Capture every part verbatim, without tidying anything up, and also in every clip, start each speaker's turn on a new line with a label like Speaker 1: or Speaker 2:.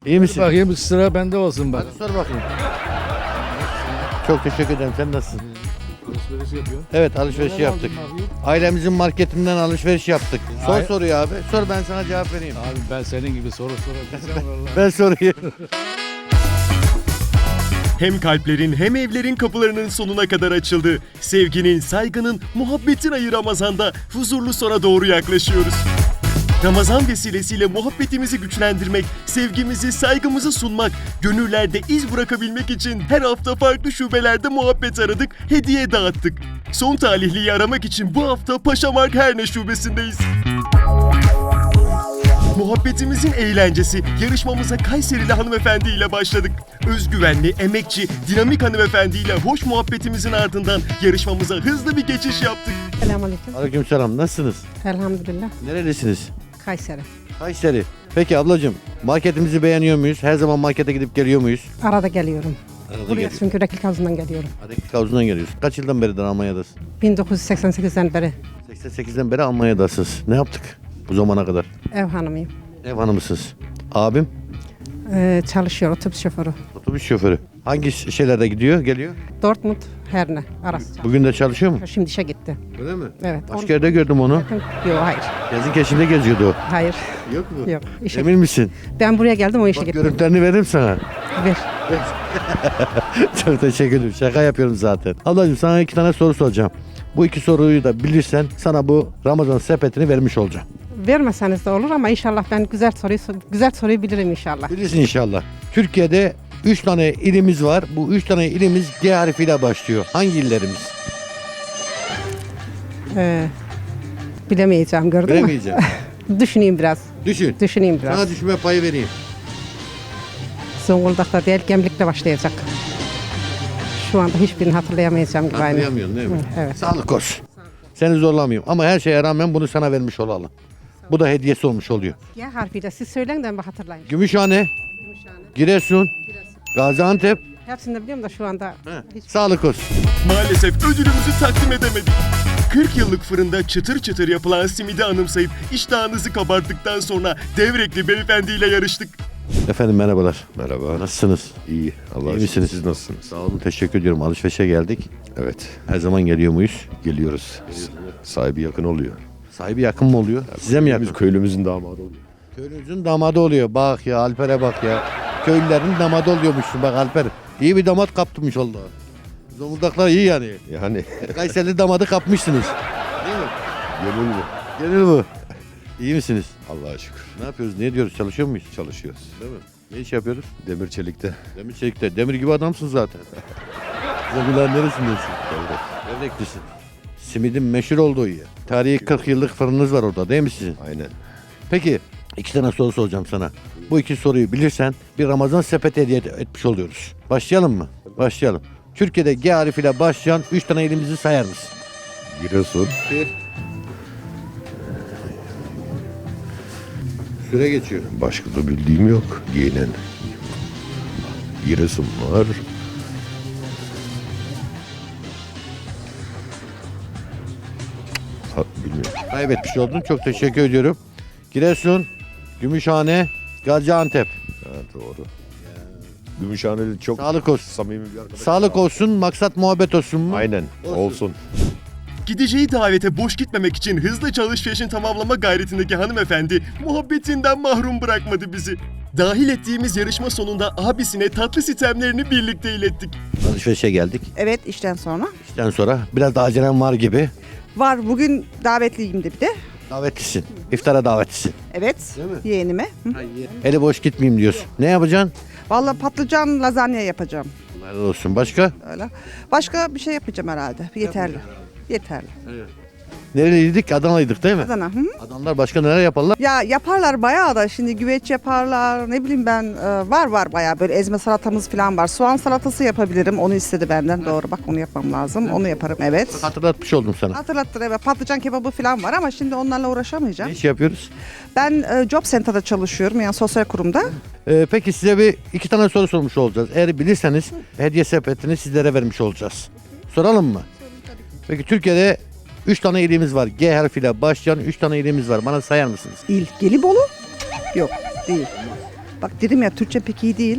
Speaker 1: İyi misin?
Speaker 2: Bakayım sıra bende olsun bak.
Speaker 1: Hadi sor bakayım. Çok teşekkür ederim. Sen nasılsın?
Speaker 2: Alışveriş yapıyor.
Speaker 1: Evet, alışveriş yaptık. Ailemizin marketinden alışveriş yaptık. Sor
Speaker 2: Ay-
Speaker 1: soruyu abi. Sor, ben sana cevap vereyim.
Speaker 2: Abi ben senin gibi soru sorabileceğim vallahi.
Speaker 1: Ben sorayım.
Speaker 3: Hem kalplerin hem evlerin kapılarının sonuna kadar açıldı. Sevginin, saygının, muhabbetin ayı Ramazan'da huzurlu sona doğru yaklaşıyoruz. Ramazan vesilesiyle muhabbetimizi güçlendirmek, sevgimizi, saygımızı sunmak, gönüllerde iz bırakabilmek için her hafta farklı şubelerde muhabbet aradık, hediye dağıttık. Son talihliyi aramak için bu hafta Paşamark Herne şubesindeyiz. Muhabbetimizin eğlencesi yarışmamıza Kayserili hanımefendi ile başladık. Özgüvenli, emekçi, dinamik hanımefendi ile hoş muhabbetimizin ardından yarışmamıza hızlı bir geçiş yaptık.
Speaker 4: Selamünaleyküm.
Speaker 1: Aleykümselam. Nasılsınız?
Speaker 4: Elhamdülillah.
Speaker 1: Nerelisiniz?
Speaker 4: Kayseri.
Speaker 1: Kayseri. Peki ablacığım, marketimizi beğeniyor muyuz? Her zaman markete gidip geliyor muyuz?
Speaker 4: Arada geliyorum.
Speaker 1: Arada
Speaker 4: Buraya
Speaker 1: geliyoruz.
Speaker 4: çünkü reklik havuzundan geliyorum.
Speaker 1: Reklik havuzundan geliyoruz. Kaç yıldan beridir Almanya'dasın?
Speaker 4: bin dokuz yüz seksen sekizden beri
Speaker 1: seksen sekizden beri Almanya'dasınız. Ne yaptık bu zamana kadar?
Speaker 4: ev hanımıyım.
Speaker 1: Ev hanımısınız. Abim?
Speaker 4: Ee, çalışıyor otobüs şoförü.
Speaker 1: Otobüs şoförü. Hangi şeylerde gidiyor, geliyor?
Speaker 4: Dortmund, Herne arası.
Speaker 1: Bugün de çalışıyor mu?
Speaker 4: Şimdi işe gitti.
Speaker 1: Öyle mi?
Speaker 4: Evet.
Speaker 1: Başka yerde gördüm onu.
Speaker 4: Yok hayır.
Speaker 1: Gezin keşinde geziyordu o.
Speaker 4: Hayır.
Speaker 1: Yok mu?
Speaker 4: Yok. İşe
Speaker 1: Emin misin?
Speaker 4: Ben buraya geldim o işe
Speaker 1: Bak
Speaker 4: gitti.
Speaker 1: görüntülerini veririm sana.
Speaker 4: Ver.
Speaker 1: Çok teşekkür ederim. Şaka yapıyorum zaten. Ablacığım sana iki tane soru soracağım. Bu iki soruyu da bilirsen sana bu Ramazan sepetini vermiş olacağım.
Speaker 4: Vermeseniz de olur ama inşallah ben güzel soruyu güzel soruyu bilirim inşallah.
Speaker 1: Bilirsin inşallah. Türkiye'de üç tane ilimiz var. Bu üç tane ilimiz G harfiyle başlıyor. Hangi illerimiz?
Speaker 4: Ee, bilemeyeceğim gördün mü?
Speaker 1: Bilemeyeceğim.
Speaker 4: Düşüneyim biraz.
Speaker 1: Düşün.
Speaker 4: Düşüneyim biraz.
Speaker 1: Sana düşünme payı vereyim.
Speaker 4: Zonguldak'ta değil Gemlik'te başlayacak. Şu anda hiçbirini hatırlayamayacağım gibi aynı.
Speaker 1: Hatırlayamıyorsun değil mi?
Speaker 4: Hı, evet.
Speaker 1: Sağlık olsun. Seni zorlamayayım ama her şeye rağmen bunu sana vermiş olalım. Bu da hediyesi olmuş oluyor.
Speaker 4: G harfiyle siz söyleyin de ben hatırlayayım.
Speaker 1: Gümüşhane, Giresun, Gaziantep.
Speaker 4: Hepsini de biliyorum da şu anda hiç...
Speaker 1: Sağlık olsun.
Speaker 3: Maalesef ödülümüzü takdim edemedik. kırk yıllık fırında çıtır çıtır yapılan simidi anımsayıp iştahınızı kabarttıktan sonra Devrekli beyefendiyle yarıştık.
Speaker 1: Efendim merhabalar.
Speaker 5: Merhaba.
Speaker 1: Nasılsınız?
Speaker 5: İyi. Allah'a
Speaker 1: İyi
Speaker 5: şükür.
Speaker 1: misiniz?
Speaker 5: Siz nasılsınız?
Speaker 1: Sağ olun. Teşekkür ediyorum. Alışverişe geldik.
Speaker 5: Evet.
Speaker 1: Her zaman geliyor muyuz?
Speaker 5: Geliyoruz. Sahibi yakın oluyor.
Speaker 1: Sahibi yakın mı oluyor? Size mi yakın?
Speaker 5: Biz köylümüzün damadı oluyor.
Speaker 1: Köylünüzün damadı oluyor. Bak ya Alper'e bak ya. Köylülerin damadı oluyormuşsun bak Alper. İyi bir damat kaptırmış oldu. Zonguldaklar iyi yani.
Speaker 5: Yani
Speaker 1: Kayseri damadı kapmışsınız. Değil mi?
Speaker 5: gönül mü?
Speaker 1: Gönül bu. İyi misiniz?
Speaker 5: Allah'a şükür.
Speaker 1: Ne yapıyoruz? Ne diyoruz? Çalışıyor muyuz?
Speaker 5: Çalışıyoruz.
Speaker 1: Değil mi? Ne iş yapıyoruz?
Speaker 5: Demir çelikte.
Speaker 1: Demir çelikte. Demir gibi adamsın zaten. Zonguldak'ın neresindesin?
Speaker 5: Devlet.
Speaker 1: Devreklisin. Simidin meşhur olduğu yer. Tarihi kırk yıllık fırınınız var orada değil mi sizin?
Speaker 5: Aynen.
Speaker 1: Peki iki tane soru soracağım sana. Bu iki soruyu bilirsen bir Ramazan sepeti hediye etmiş oluyoruz. Başlayalım mı? Başlayalım. Türkiye'de G harfiyle başlayan üç tane ilimizi sayar mısın?
Speaker 5: Giresun.
Speaker 1: Bir. Süre geçiyor.
Speaker 5: Başka da bildiğim yok. Giyinen. Giresun var. Ha, bilmiyorum.
Speaker 1: Kaybetmiş oldun. Çok teşekkür ediyorum. Giresun, Gümüşhane, Gaziantep.
Speaker 5: Ha, doğru. Gümüşhaneli çok
Speaker 1: Sağlık olsun.
Speaker 5: samimi bir arkadaş.
Speaker 1: Sağlık olsun, maksat muhabbet olsun mu?
Speaker 5: Aynen.
Speaker 1: Olsun.
Speaker 5: Olsun.
Speaker 3: Gideceği davete boş gitmemek için hızlıca alışverişini tamamlama gayretindeki hanımefendi muhabbetinden mahrum bırakmadı bizi. Dahil ettiğimiz yarışma sonunda abisine tatlı sitemlerini birlikte ilettik.
Speaker 1: Alışverişe geldik.
Speaker 6: Evet, işten sonra.
Speaker 1: İşten sonra biraz da acelem var gibi.
Speaker 6: Var, bugün davetliyim de bir de.
Speaker 1: Davetlisin. İftara davetlisin.
Speaker 6: Evet,
Speaker 1: Değil mi?
Speaker 6: yeğenime. Hı.
Speaker 1: Eli boş gitmeyeyim diyorsun. Ne yapacaksın?
Speaker 6: Vallahi patlıcan lazanya yapacağım.
Speaker 1: Helal olsun. Başka?
Speaker 6: Öyle. Başka bir şey yapacağım herhalde. Yeterli. Yeterli.
Speaker 1: Nereliydik? Adanalıydık değil mi?
Speaker 6: Adana. Hı?
Speaker 1: Adamlar başka neler yaparlar?
Speaker 6: Ya yaparlar bayağı da şimdi güveç yaparlar. Ne bileyim ben e, var var bayağı böyle ezme salatamız falan var. Soğan salatası yapabilirim. Onu istedi benden. Doğru bak onu yapmam lazım. Onu yaparım evet.
Speaker 1: Hatırlatmış oldum sana.
Speaker 6: Hatırlattır evet. Patlıcan kebabı falan var ama şimdi onlarla
Speaker 1: Ne
Speaker 6: uğraşamayacağım.
Speaker 1: iş yapıyoruz?
Speaker 6: Ben e, Job Center'da çalışıyorum yani sosyal kurumda.
Speaker 1: Ee, peki size bir iki tane soru sormuş olacağız. Eğer bilirseniz hediye sepetini sizlere vermiş olacağız. Soralım mı? Peki Türkiye'de üç tane ilimiz var. G harfiyle başlayan üç tane ilimiz var. Bana sayar mısınız?
Speaker 6: İl Gelibolu? Yok değil. Bak dedim ya Türkçe pek iyi değil.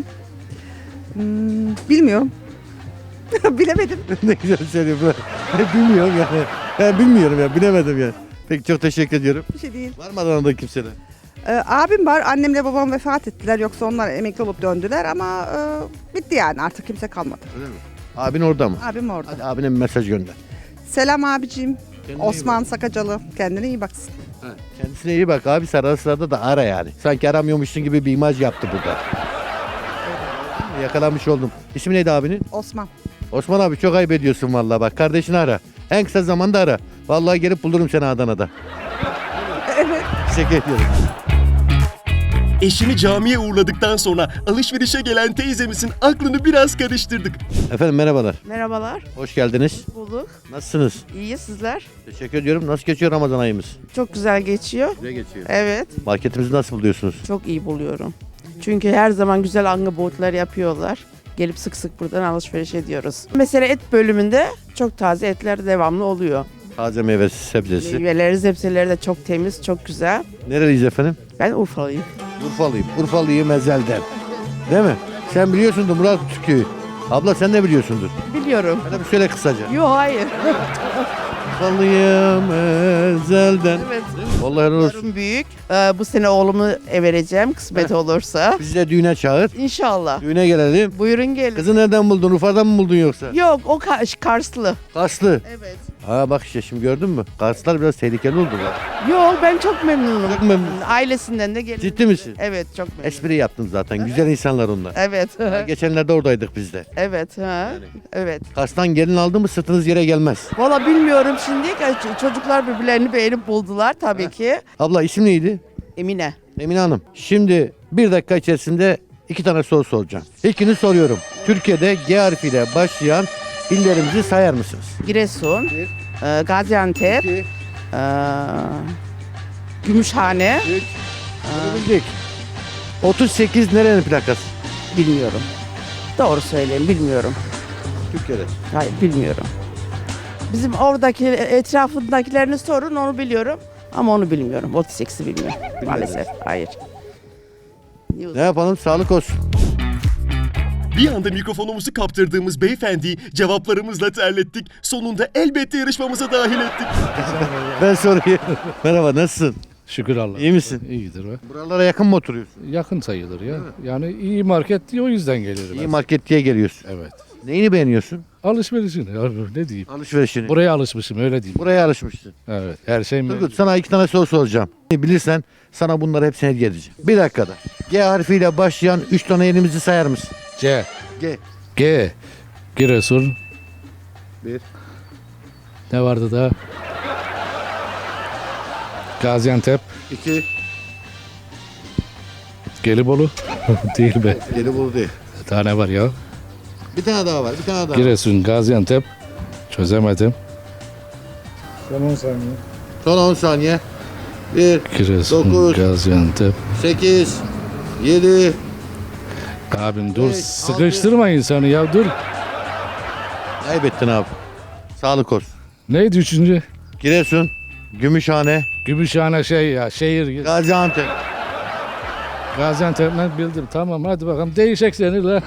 Speaker 6: Hmm, bilmiyorum. Bilemedim.
Speaker 1: Ne güzel söylüyor. Bilmiyorum yani. Ben bilmiyorum ya. Bilemedim ya. Peki çok teşekkür ediyorum.
Speaker 6: Bir şey değil.
Speaker 1: Var mı Adana'da kimseler?
Speaker 6: Ee, abim var. Annemle babam vefat ettiler. Yoksa onlar emekli olup döndüler ama e, bitti yani artık kimse kalmadı.
Speaker 1: Öyle mi? Abin orada mı?
Speaker 6: Abim orada.
Speaker 1: Hadi abine bir mesaj gönder.
Speaker 6: Selam abicim.
Speaker 1: Kendine iyi
Speaker 6: Osman Sakacalı. Kendine iyi baksın.
Speaker 1: Ha, kendisine iyi bak abi, ara sırada da ara yani. Sanki aramıyormuşsun gibi bir imaj yaptı burada. Yakalanmış oldum. İsmi neydi abinin?
Speaker 6: Osman.
Speaker 1: Osman abi çok ayıp ediyorsun vallahi bak. Kardeşini ara. En kısa zamanda ara. Vallahi gelip bulurum seni Adana'da.
Speaker 6: Evet.
Speaker 1: Teşekkür ediyorum.
Speaker 3: Eşini camiye uğurladıktan sonra alışverişe gelen teyzemizin aklını biraz karıştırdık.
Speaker 1: Efendim merhabalar.
Speaker 7: Merhabalar,
Speaker 1: Hoş geldiniz.
Speaker 7: bulduk.
Speaker 1: Nasılsınız?
Speaker 7: İyi sizler.
Speaker 1: Teşekkür ediyorum. Nasıl geçiyor Ramazan ayımız?
Speaker 7: Çok güzel geçiyor.
Speaker 1: Güzel geçiyor.
Speaker 7: Evet,
Speaker 1: Marketimizi nasıl buluyorsunuz?
Speaker 7: çok iyi buluyorum. Çünkü her zaman güzel angabotlar yapıyorlar. Gelip sık sık buradan alışveriş ediyoruz. Mesela et bölümünde çok taze etler devamlı oluyor.
Speaker 1: Taze meyvesi, sebzesi.
Speaker 7: Meyveleri, sebzeleri de çok temiz, çok güzel.
Speaker 1: Nereliyiz efendim?
Speaker 7: Ben Urfalıyım.
Speaker 1: Urfalıyım. Urfalıyım ezelden. Değil mi? Sen biliyorsundur Murat Türk'ü. Abla sen de biliyorsundur.
Speaker 7: Biliyorum.
Speaker 1: Hadi bir söyle kısaca.
Speaker 7: Yok hayır.
Speaker 1: Urfalıyım ezelden.
Speaker 7: Evet.
Speaker 1: Vallahi helal olsun.
Speaker 7: Oğlum büyük. Ee, bu sene oğlumu vereceğim kısmet olursa.
Speaker 1: Bizi de düğüne çağır.
Speaker 7: İnşallah.
Speaker 1: Düğüne gelelim.
Speaker 7: Buyurun gelin.
Speaker 1: Kızı nereden buldun? Urfa'dan mı buldun yoksa?
Speaker 7: Yok o Ka- Karslı.
Speaker 1: Karslı.
Speaker 7: Evet.
Speaker 1: Ha bak işte şimdi gördün mü? Karslar biraz tehlikeli oldu bak.
Speaker 7: Yok ben çok memnunum.
Speaker 1: Çok memnun.
Speaker 7: Ailesinden de gelin.
Speaker 1: Ciddi misin?
Speaker 7: Evet çok memnunum.
Speaker 1: Espri yaptın zaten. Güzel insanlar onlar.
Speaker 7: Evet.
Speaker 1: Ha, geçenlerde oradaydık biz de.
Speaker 7: evet. Ha. Evet.
Speaker 1: Kars'tan gelin aldı mı sırtınız yere gelmez.
Speaker 7: Valla bilmiyorum şimdi. Ç- Çocuklar birbirlerini beğenip buldular tabii ki.
Speaker 1: Abla isim neydi?
Speaker 7: Emine.
Speaker 1: Emine Hanım. Şimdi bir dakika içerisinde iki tane soru soracağım. İlkini soruyorum. Türkiye'de G harfiyle başlayan illerimizi sayar mısınız?
Speaker 7: Giresun. e, Gaziantep. e, Gümüşhane.
Speaker 1: Bildik. otuz sekiz nerenin plakası?
Speaker 7: Bilmiyorum. Doğru söyleyeyim bilmiyorum.
Speaker 1: Türkiye'de.
Speaker 7: Hayır bilmiyorum. Bizim oradaki etrafındakilerini sorun onu biliyorum. Ama onu bilmiyorum. otuz sekizi bilmiyorum. Maalesef. Hayır.
Speaker 1: Ne yapalım? Sağlık olsun.
Speaker 3: Bir anda mikrofonumuzu kaptırdığımız beyefendiyi cevaplarımızla terlettik. Sonunda elbette yarışmamıza dahil ettik.
Speaker 1: Ben sorayım. Merhaba, nasılsın?
Speaker 2: Şükür Allah.
Speaker 1: İyi misin?
Speaker 2: İyidir be.
Speaker 1: Buralara yakın mı oturuyorsun?
Speaker 2: Yakın sayılır ya. Yani iyi market diye o yüzden gelirim.
Speaker 1: İyi
Speaker 2: ben.
Speaker 1: market diye geliyorsun.
Speaker 2: Evet.
Speaker 1: Neyini beğeniyorsun?
Speaker 2: Alışverişini ya, ne diyeyim.
Speaker 1: Alışverişini.
Speaker 2: Buraya alışmışım öyle diyeyim.
Speaker 1: Buraya alışmışsın.
Speaker 2: Evet. Her şey mi?
Speaker 1: Turgut, sana iki tane soru soracağım. Bilirsen sana bunları hepsini hediye edeceğim. Bir dakikada. G harfiyle başlayan üç tane elimizi sayar mısın?
Speaker 2: C.
Speaker 1: G.
Speaker 2: G. Giresun.
Speaker 1: Bir.
Speaker 2: Ne vardı da? Gaziantep.
Speaker 1: İki.
Speaker 2: Gelibolu. Değil be.
Speaker 1: Gelibolu değil.
Speaker 2: Bir tane var ya.
Speaker 1: Bir tane daha var. Bir tane daha var.
Speaker 2: Giresun, Gaziantep. Çözemedim.
Speaker 1: Son on saniye. Bir.
Speaker 2: Giresun,
Speaker 1: Dokuz.
Speaker 2: Gaziantep.
Speaker 1: Sekiz. Yedi.
Speaker 2: Abim dur
Speaker 1: Beş,
Speaker 2: sıkıştırma insanı ya dur.
Speaker 1: Kaybettin abi. Sağlık olsun.
Speaker 2: Neydi üçüncü?
Speaker 1: Giresun. Gümüşhane.
Speaker 2: Gümüşhane şey ya şehir.
Speaker 1: Gaziantep.
Speaker 2: Gaziantep'ten bildim tamam hadi bakalım değişik seni la.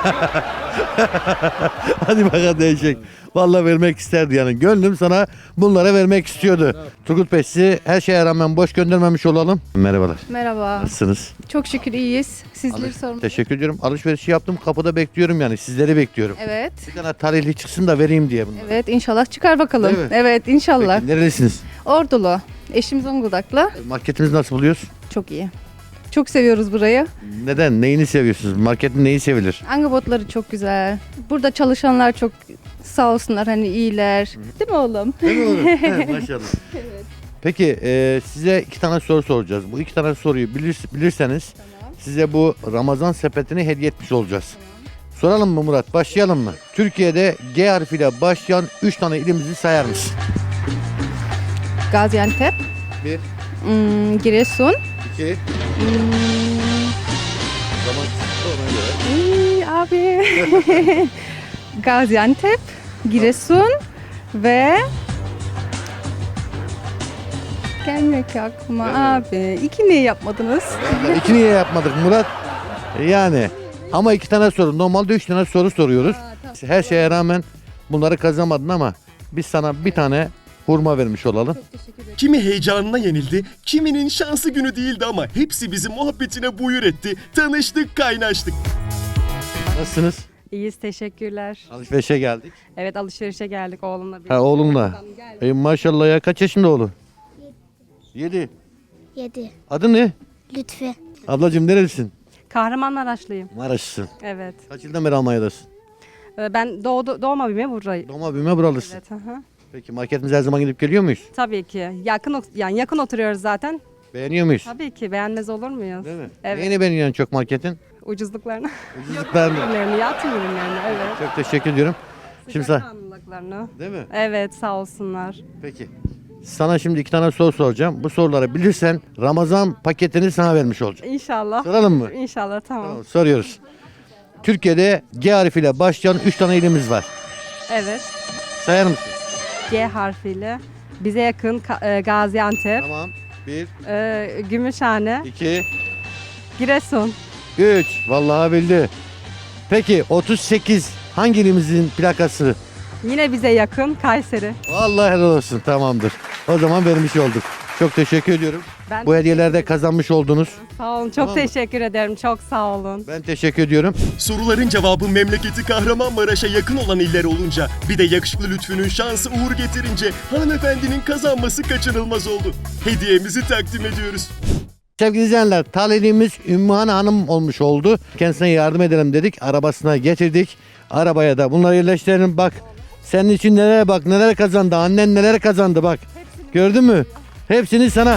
Speaker 1: Hadi bakalım değişik. Vallahi vermek isterdi yani. Gönlüm sana bunlara vermek istiyordu. Turgut Bey sizi her şeye rağmen boş göndermemiş olalım. Merhabalar.
Speaker 8: Merhaba.
Speaker 1: Nasılsınız?
Speaker 8: Çok şükür iyiyiz. Sizleri sormalı.
Speaker 1: Teşekkür ediyorum. Alışverişi yaptım. Kapıda bekliyorum yani. Sizleri bekliyorum.
Speaker 8: Evet.
Speaker 1: Bir tane tarihli çıksın da vereyim diye bunu.
Speaker 8: Evet inşallah çıkar bakalım.
Speaker 1: Değil mi?
Speaker 8: Evet inşallah.
Speaker 1: Peki, nerelisiniz?
Speaker 8: Ordulu. Eşim Zonguldaklı.
Speaker 1: Marketimizi nasıl buluyoruz?
Speaker 8: Çok iyi. Çok seviyoruz burayı.
Speaker 1: Neden? Neyini seviyorsunuz? Marketin neyi sevilir?
Speaker 8: Angabotları çok güzel. Burada çalışanlar çok sağ olsunlar hani iyiler. Değil mi oğlum?
Speaker 1: Değil mi oğlum? He, maşallah. Peki e, size iki tane soru soracağız. Bu iki tane soruyu bilir, bilirseniz size bu Ramazan sepetini hediye etmiş olacağız. Soralım mı Murat? Başlayalım mı? Türkiye'de G harfiyle başlayan üç tane ilimizi sayar mısın?
Speaker 8: Gaziantep.
Speaker 1: Bir.
Speaker 8: Hmm, Giresun.
Speaker 1: İki.
Speaker 8: Hmm,
Speaker 1: Zaman ona göre.
Speaker 8: iyi abi. Gaziantep. Giresun. Ve gelmiyor ki aklıma abi. İki niye yapmadınız?
Speaker 1: İki niye yapmadık Murat? Yani ama iki tane soru. Normalde üç tane soru soruyoruz. Her şeye rağmen bunları kazanamadın ama biz sana bir tane hurma vermiş olalım.
Speaker 3: Kimi heyecanına yenildi, kiminin şansı günü değildi ama hepsi bizi muhabbetine buyur etti. Tanıştık, kaynaştık.
Speaker 1: Nasılsınız?
Speaker 9: İyiyiz, teşekkürler.
Speaker 1: Alışverişe geldik.
Speaker 9: Evet, alışverişe geldik oğlumla birlikte.
Speaker 1: Ha oğlunla. E, maşallah ya, kaç yaşında oğlun? Yedi.
Speaker 10: Yedi.
Speaker 1: Adı ne?
Speaker 10: Lütfi.
Speaker 1: Ablacığım nerelisin?
Speaker 9: Kahramanmaraşlıyım.
Speaker 1: Maraşlısın.
Speaker 9: Evet.
Speaker 1: Kaç yıldan beri Almanya'dasın?
Speaker 9: Ee, Ben doğdu, doğma büyüme buradayım.
Speaker 1: Doğma büyüme buralısın.
Speaker 9: Evet, hı hı.
Speaker 1: Peki marketimize her zaman gidip geliyor muyuz?
Speaker 9: Tabii ki. Yakın ot- yani yakın oturuyoruz zaten.
Speaker 1: Beğeniyor muyuz?
Speaker 9: Tabii ki. Beğenmez olur muyuz?
Speaker 1: Değil mi?
Speaker 9: Evet.
Speaker 1: Neyini beğeniyorsun çok marketin?
Speaker 9: Ucuzluklarını.
Speaker 1: Ucuzluklarını.
Speaker 9: Ürünlerini, yatım ürünlerini. Evet.
Speaker 1: Çok teşekkür ediyorum. Şimdi sen...
Speaker 9: Sıcakkanlılıklarını.
Speaker 1: Değil mi?
Speaker 9: Evet, sağ olsunlar.
Speaker 1: Peki. Sana şimdi iki tane soru soracağım. Bu soruları bilirsen Ramazan paketini sana vermiş olacağım.
Speaker 9: İnşallah.
Speaker 1: Soralım mı?
Speaker 9: İnşallah, tamam.
Speaker 1: Tamam, soruyoruz. Türkiye'de G harfiyle başlayan üç tane ilimiz var.
Speaker 9: Evet.
Speaker 1: Sayar mısın?
Speaker 9: G harfiyle. Bize yakın Ka- e, Gaziantep,
Speaker 1: Tamam. Bir,
Speaker 9: e, Gümüşhane,
Speaker 1: iki,
Speaker 9: Giresun.
Speaker 1: üç. Vallahi bildi. Peki otuz sekiz hangi ilimizin plakası?
Speaker 9: Yine bize yakın Kayseri.
Speaker 1: Vallahi helal olsun. Tamamdır. O zaman vermiş olduk. Çok teşekkür ediyorum.
Speaker 9: Ben
Speaker 1: Bu hediyeleri de kazanmış oldunuz.
Speaker 9: Sağ olun. Çok
Speaker 1: Tamam mı?
Speaker 9: teşekkür ederim. Çok sağ olun.
Speaker 1: Ben teşekkür ediyorum.
Speaker 3: Soruların cevabı memleketi Kahramanmaraş'a yakın olan iller olunca, bir de yakışıklı Lütfü'nün şansı uğur getirince hanımefendinin kazanması kaçınılmaz oldu. Hediyemizi takdim ediyoruz.
Speaker 1: Sevgili izleyenler, talihimiz Ümmühane Hanım olmuş oldu. Kendisine yardım edelim dedik. Arabasına getirdik. Arabaya da bunları yerleştirelim. Bak senin için neler, bak neler kazandı. Annen neler kazandı bak. Gördün mü? Hepsini sana.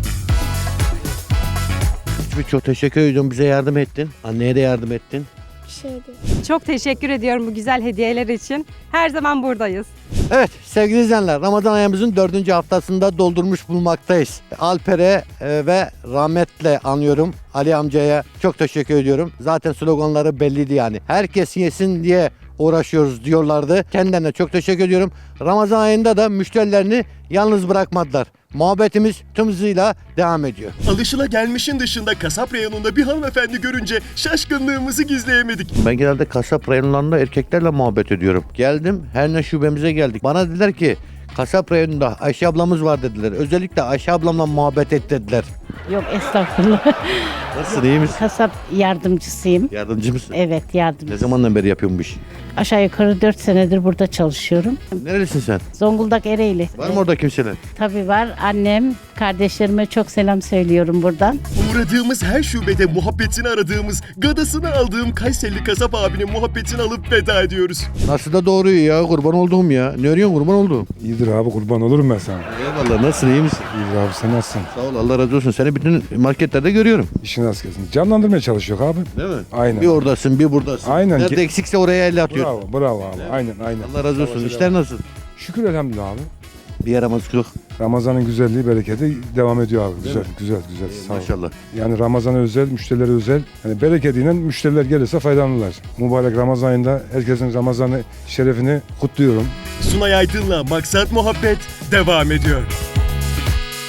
Speaker 1: Çok teşekkür ediyorum. Bize yardım ettin. Anneye de yardım ettin.
Speaker 10: Bir şeydi.
Speaker 9: Çok teşekkür ediyorum bu güzel hediyeler için. Her zaman buradayız.
Speaker 1: Evet sevgili izleyenler, Ramazan ayımızın dördüncü haftasında doldurmuş bulunmaktayız. Alper'e e, ve rahmetle anıyorum. Ali amcaya çok teşekkür ediyorum. Zaten sloganları belliydi yani. Herkes yesin diye uğraşıyoruz diyorlardı. Kendilerine çok teşekkür ediyorum. Ramazan ayında da müşterilerini yalnız bırakmadılar. Muhabbetimiz tüm hızıyla devam ediyor.
Speaker 3: Alışılagelmişin dışında kasap reyonunda bir hanımefendi görünce şaşkınlığımızı gizleyemedik.
Speaker 1: Ben genelde kasap reyonlarında erkeklerle muhabbet ediyorum. Geldim, her ne şubemize geldik. Bana dediler ki kasap reyonunda Ayşe ablamız var dediler. Özellikle Ayşe ablamla muhabbet et dediler.
Speaker 11: Yok estağfurullah.
Speaker 1: Nasılsın, iyi misin?
Speaker 11: Kasap yardımcısıyım.
Speaker 1: Yardımcı mısın?
Speaker 11: Evet yardımcı.
Speaker 1: Ne zamandan beri yapıyorsun bu işi?
Speaker 11: Aşağı yukarı dört senedir burada çalışıyorum.
Speaker 1: Nerelisin sen?
Speaker 11: Zonguldak Ereğli.
Speaker 1: Var mı orada kimseler?
Speaker 11: Tabii var. Annem, kardeşlerime çok selam söylüyorum buradan.
Speaker 3: Uğradığımız her şubede muhabbetini aradığımız, gadasını aldığım Kayserili kasap abinin muhabbetini alıp veda ediyoruz.
Speaker 1: Nasıl da doğruyu ya, kurban olduğum ya. Ne arıyorsun, kurban olduğum?
Speaker 2: İyidir abi, kurban olurum ben sana.
Speaker 1: Eyvallah, nasılsın, iyi misin?
Speaker 2: İyidir abi, sen nasılsın?
Speaker 1: Sağ ol, Allah razı olsun. Seni bütün marketlerde görüyorum.
Speaker 2: İşin az kesin. Canlandırmaya çalışıyor abi.
Speaker 1: Değil mi?
Speaker 2: Aynen.
Speaker 1: Bir oradasın, bir buradasın.
Speaker 2: Aynen.
Speaker 1: Nerede eksikse oraya elle atıyorsun.
Speaker 2: Bravo, bravo abi. Aynen, aynen.
Speaker 1: Allah razı olsun. İşler nasıl?
Speaker 2: Şükür elhamdülillah abi.
Speaker 1: Bir yaramazlık yok.
Speaker 2: Ramazan'ın güzelliği, bereketi devam ediyor abi. Güzel,
Speaker 1: mi?
Speaker 2: güzel, güzel. Sağ ol.
Speaker 1: Maşallah.
Speaker 2: Yani Ramazan'a özel, müşterilere özel. Yani bereketiyle müşteriler gelirse faydalanırlar. Mübarek Ramazan ayında herkesin Ramazan'ı şerefini kutluyorum.
Speaker 3: Sunay Aydın'la Maksat Muhabbet devam ediyor.